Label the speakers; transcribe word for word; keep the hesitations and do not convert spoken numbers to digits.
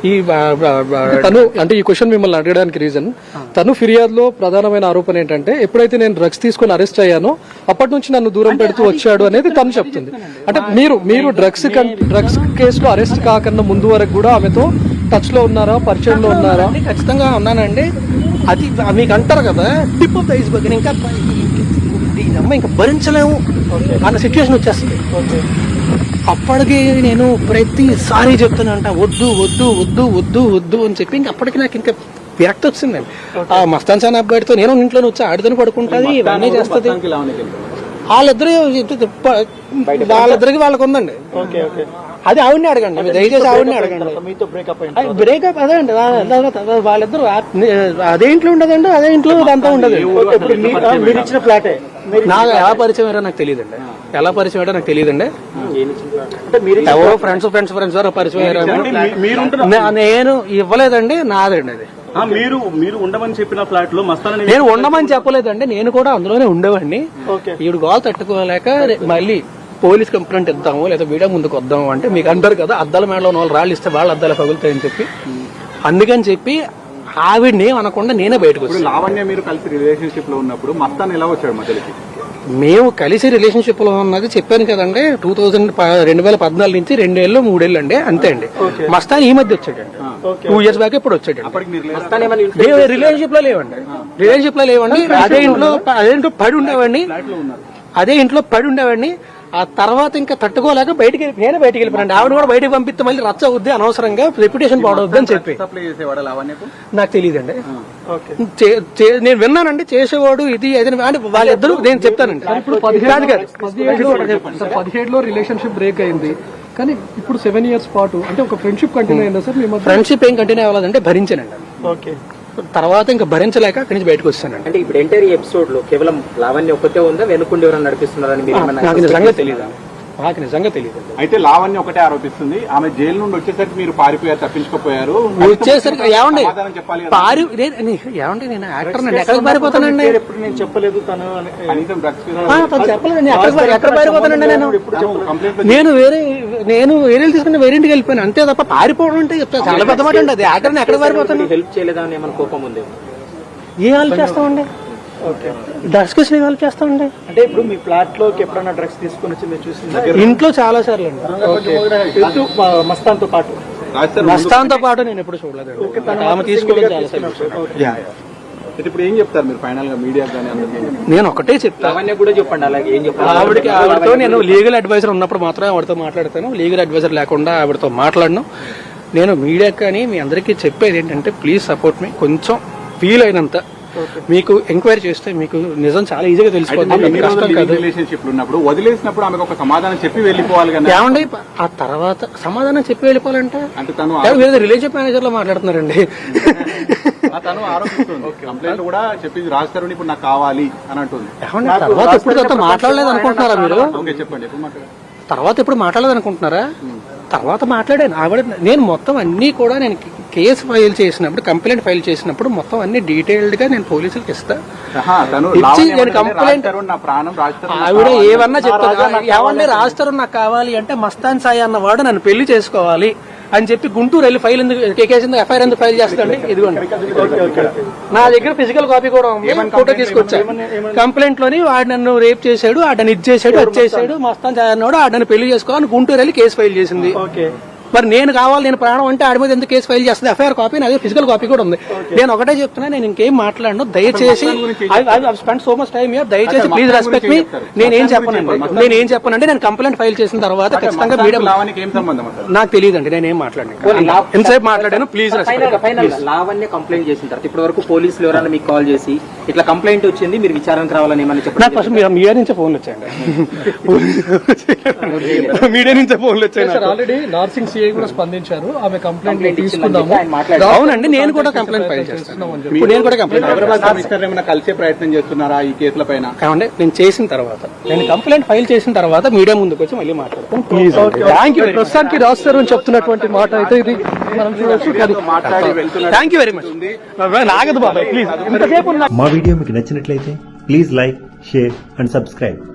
Speaker 1: ఈ తను అంటే ఈ క్వశ్చన్ మిమ్మల్ని అడగడానికి రీజన్ తను ఫిర్యాదులో ప్రధానమైన ఆరోపణ ఏంటంటే ఎప్పుడైతే నేను డ్రగ్స్ తీసుకుని అరెస్ట్ అయ్యానో అప్పటి నుంచి నన్ను దూరం పెడుతూ వచ్చాడు అనేది తను చెప్తుంది. అంటే మీరు మీరు డ్రగ్స్ డ్రగ్స్ కేసులో అరెస్ట్ కాకుండా ముందు వరకు కూడా ఆమెతో టచ్ లో ఉన్నారా, పరిచయంలో ఉన్నారా?
Speaker 2: ఖచ్చితంగా ఉన్నానండి. అది మీకు అంటారు కదా టిప్ ఆఫ్ ద ఐస్బర్గ్, ఇంకా అమ్మ ఇంకా భరించలేము అన్న సిచ్యువేషన్ వచ్చేస్తుంది. అప్పటికి నేను ప్రతిసారి చెప్తున్నా అంట వద్దు వద్దు వద్దు వద్దు వద్దు అని చెప్పి ఇంక అప్పటికి నాకు ఇంకా విరక్తి వచ్చిందండి. ఆ మస్తాన్ సాన్ అబ్బాయితో నేను ఇంట్లో వచ్చి ఆడిదని పడుకుంటుంది, ఇవన్నీ చేస్తుంది. వాళ్ళిద్దరు వాళ్ళిద్దరికి వాళ్ళకు ఉందండి. అది ఆవిడని అడగండి, దయచేసి ఆవిడని అడగండి. బ్రేకప్ అదే అండి, వాళ్ళిద్దరు అదే ఇంట్లో ఉండదండి, అదే ఇంట్లో అంతా ఉండదు.
Speaker 3: మీరు ఇచ్చిన ఫ్లాటే
Speaker 2: నాకు ఎలా పరిచయం అయ్యారో నాకు తెలియదండి, ఎలా పరిచయం అయ్యారో నాకు తెలియదండి. ఎవరో ఫ్రెండ్స్ ఫ్రెండ్స్ ఫ్రెండ్స్ ఎవరో పరిచయం అయ్యారు, నేను ఇవ్వలేదండి, నాదండి అది.
Speaker 3: మీరు మీరు ఉండమని చెప్పిన ఫ్లాట్ లో మస్తాన్
Speaker 2: నేను ఉండమని చెప్పలేదండి, నేను కూడా అందులోనే ఉండేవాడిని. ఈవిడ గోల్ తట్టుకోలేక మళ్ళీ పోలీస్ కంప్లైంట్ ఇద్దాము లేదా వీడియో ముందుకు వద్దాము అంటే మీకు అంటారు కదా అద్దాల మేడలో వాళ్ళు రాళ్ళు ఇస్తే వాళ్ళ అద్దాలు పగులుతాయని చెప్పి అందుకని చెప్పి ఆవిడని అనకుండా నేనే బయటకు వచ్చాను.
Speaker 4: లావణ్య మీరు కలిసి రిలేషన్షిప్ లో ఉన్నప్పుడు మస్తాన్ ఎలా వచ్చాడు మధ్యలోకి?
Speaker 2: మేము కలిసి రిలేషన్షిప్ లో ఉన్నది చెప్పాను కదండి, టూ థౌసండ్ రెండు వేల పద్నాలుగు నుంచి రెండేళ్ళు మూడేళ్ళు అండి, అంతే అండి. మస్తాన్ ఈ మధ్య వచ్చాడండి, టూ ఇయర్స్ బ్యాక్ ఇప్పుడు వచ్చాడు. రిలేషన్షిప్ లో లేవండి, రిలేషన్షిప్ లో లేవండి. అదే ఇంట్లో అదే ఇంట్లో పడి ఉండేవాడిని, అదే ఇంట్లో పడి ఉండేవాడిని. ఆ తర్వాత ఇంకా తట్టుకోలేక బయటికి నేనే బయటికి వెళ్ళిపోయాను. ఆవిడ కూడా బయటకు పంపిస్తే మళ్ళీ రచ్చ అవుద్ది, అనవసరంగా రెప్యుటేషన్ పాడవద్దు అని చెప్పి. నాకు తెలియదండి, నేను విన్నానండి చేసేవాడు ఇది అంటే వాళ్ళిద్దరు. నేను చెప్తానండి,
Speaker 1: ఇప్పుడు పదిహేడులో రిలేషన్షిప్ బ్రేక్ అయింది కానీ ఇప్పుడు సెవెన్ ఇయర్స్ పాటు అంటే ఒక ఫ్రెండ్షిప్ కంటిన్యూ అయిందా సార్?
Speaker 2: ఫ్రెండ్షిప్ ఏం కంటిన్యూ అవ్వలేదంటే భరించానండి. ఓకే, తర్వాత ఇంకా భరించలేక అక్కడి నుంచి బయటకు వస్తానండి.
Speaker 5: అంటే ఇప్పుడు ఎంటైర్ ఎపిసోడ్ లో కేవలం లావణ్య ఒక్కతే ఉందా, వెనుకుండి ఎవరైనా నడిపిస్తున్నారని
Speaker 2: నాకు నిజంగా తెలియదు, నాకు నిజంగా తెలియదు.
Speaker 4: అయితే లావణ్య ఒకటే ఆరోపిస్తుంది, ఆమె జైలు నుండి వచ్చేసరికి మీరు పారిపోయారు, తప్పించుకోపోయారు.
Speaker 2: వచ్చేసరికి ఏమండి పారి ఏమండి నేను యాక్టర్ నండి, ఎక్కడికి పారిపోతానండి?
Speaker 3: నేను చెప్పలేదు తను
Speaker 2: చెప్పలేదండి, ఎక్కడ పారిపోతానండి నేను? నేను వేరే నేను వేరే తీసుకుని వేరే ఇంటికి వెళ్ళిపోయాను అంతే తప్ప పారిపోవడం అంటే చాలా పెద్ద మాట అండి. అది యాక్టర్ ఎక్కడ పారిపోతాను?
Speaker 5: హెల్ప్ చేయలేదని ఏమైనా కోపం ఉంది?
Speaker 2: ఏం హెల్ప్ చేస్తామండి, డ్రగ్స్ కేసు హెల్ప్ చేస్తామండి.
Speaker 3: అంటే ఇప్పుడు మీ ఫ్లాట్ లోకి ఎప్పుడైనా డ్రగ్స్ తీసుకుని వచ్చి మీరు చూసింది?
Speaker 2: ఇంట్లో చాలా సార్లు అండి,
Speaker 3: మస్తాన్ తో పాటు
Speaker 2: మస్తాన్ తో పాటు నేను ఎప్పుడు చూడలేదు. ఆమె తీసుకోవడం చాలా సార్లు.
Speaker 4: ఇప్పుడు ఏం చెప్తారు మీరు ఫైనల్ గా మీడియా కానీ?
Speaker 2: నేను ఒకటే చెప్తాను,
Speaker 5: కూడా చెప్పండి అలాగే ఏం చెప్పాలి.
Speaker 2: ఆవిడకి ఆవిడతో నేను లీగల్ అడ్వైజర్ ఉన్నప్పుడు మాత్రమే ఆవిడతో మాట్లాడతాను, లీగల్ అడ్వైజర్ లేకుండా ఆవిడతో మాట్లాడను. నేను మీడియా కానీ మీ అందరికీ చెప్పేది ఏంటంటే ప్లీజ్ సపోర్ట్ మీ. కొంచెం ఫీల్ అయినంత మీకు ఎంక్వైరీ చేస్తే మీకు నిజం చాలా ఈజీగా తెలిసిపోతుంది.
Speaker 4: రిలేషన్షిప్ ఉన్నప్పుడు వదిలేసినప్పుడు ఆమెకు ఒక సమాధానం చెప్పి వెళ్ళిపోవాలి కదా.
Speaker 2: ఏమండి ఆ తర్వాత సమాధానం చెప్పి వెళ్ళిపోవాలంటే
Speaker 4: అంటే తను
Speaker 2: రిలేషన్షిప్ మేనేజర్ లో మాట్లాడుతున్నారండి.
Speaker 4: తను ఆరోపిస్తుంది, కంప్లైంట్ కూడా చెప్పింది రాస్తారు ఇప్పుడు నాకు కావాలి అని అంటుంది.
Speaker 2: తర్వాత ఎప్పుడు మాట్లాడలేదు అనుకుంటున్నారా మీరు?
Speaker 4: చెప్పండి, ఎప్పుడు మాట్లాడారు?
Speaker 2: తర్వాత ఎప్పుడు మాట్లాడలేదు అనుకుంటున్నారా? తర్వాత మాట్లాడాను. ఆవిడ నేను మొత్తం అన్ని కూడా నేను కేసు ఫైల్ చేసినప్పుడు కంప్లైంట్ ఫైల్ చేసినప్పుడు మొత్తం అన్ని డీటెయిల్డ్ గా నేను పోలీసులకు ఇస్తా ఇచ్చి నేను కంప్లైంట్ ఆవిడ ఏమన్నా చెప్తాను. ఏమన్నా రాస్తారు నాకు కావాలి అంటే మస్తాన్ సాయి అన్నవాడు నన్ను పెళ్లి చేసుకోవాలి అని చెప్పి గుంటూరు వెళ్ళి ఫైల్ ఎందుకు కేసు ఎఫ్ఐఆర్ ఎందుకు ఫైల్ చేస్తాండి? ఇదిగోండి నా దగ్గర ఫిజికల్ కాపీ కూడా ఉంది, ఫోటో తీసుకొచ్చా. కంప్లైంట్ లోని వాడు నన్ను రేప్ చేశాడు, ఆడని ఇది చేశాడు, అది చేశాడు, మస్తాన్ సాయి అన్నాడు, ఆడని పెళ్లి చేసుకోవాలని గుంటూరు వెళ్ళి కేసు ఫైల్ చేసింది. మరి నేను కావాలి, నేను ప్రాణం అంటే ఆడి మీద ఎందుకు కేసు ఫైల్ చేస్తుంది? ఎఫ్ఐఆర్ కాపీ అదే ఫిజికల్ కాపీ కూడా ఉంది. నేను ఒకటే చెప్తున్నా, నేను ఇంకేం మాట్లాడను. దయచేసి spend so much time here, దయచేసి ప్లీజ్ రెస్పెక్ట్ మీ. నేనేం చెప్పనండి, నేనేం చెప్పనంటే నేను కంప్లైంట్ ఫైల్ చేసిన తర్వాత ఖచ్చితంగా మీడియా నాకు తెలియదండి, నేనేం మాట్లాడాను ఎంతసేపు మాట్లాడాను. Please respect.
Speaker 5: లావణ్య కంప్లైంట్ చేసిన తర్వాత ఇప్పటి వరకు పోలీసులు ఎవరైనా మీకు కాల్ చేసి ఇట్లా కంప్లైంట్ వచ్చింది మీరు విచారణకు రావాలని ఏమని చెప్పండి?
Speaker 2: నాకు ఫస్ట్ మీడియా నుంచే ఫోన్లు వచ్చాయండి, మీడియా నుంచే ఫోన్లు వచ్చాయి.
Speaker 1: ఆల్రెడీ నార్సింగ్ సిఐ కూడా స్పందించారు, ఆమె కంప్లైంట్ తీసుకుందాము.
Speaker 2: అవునండి, నేను కూడా కంప్లైంట్ ఫైల్ చేస్తాను. నేను కూడా కంప్లైంట్
Speaker 4: కలిసే ప్రయత్నం చేస్తున్నారా ఈ కేసుల పైన?
Speaker 2: ఏమంటే నేను చేసిన తర్వాత నేను కంప్లైంట్ ఫైల్ చేసిన తర్వాత మీడియా ముందుకు వచ్చి మళ్ళీ మాట్లాడతాను. Please thank you.
Speaker 1: ప్రస్తుతానికి రాస్తారు అని చెప్తున్నటువంటి మాట అయితే ఇది మనం చూడొచ్చు.
Speaker 2: Thank you very much. నాగదు బాబాయ్ ప్లీజ్.
Speaker 6: మా వీడియో మీకు నచ్చినట్లయితే please like, share and subscribe.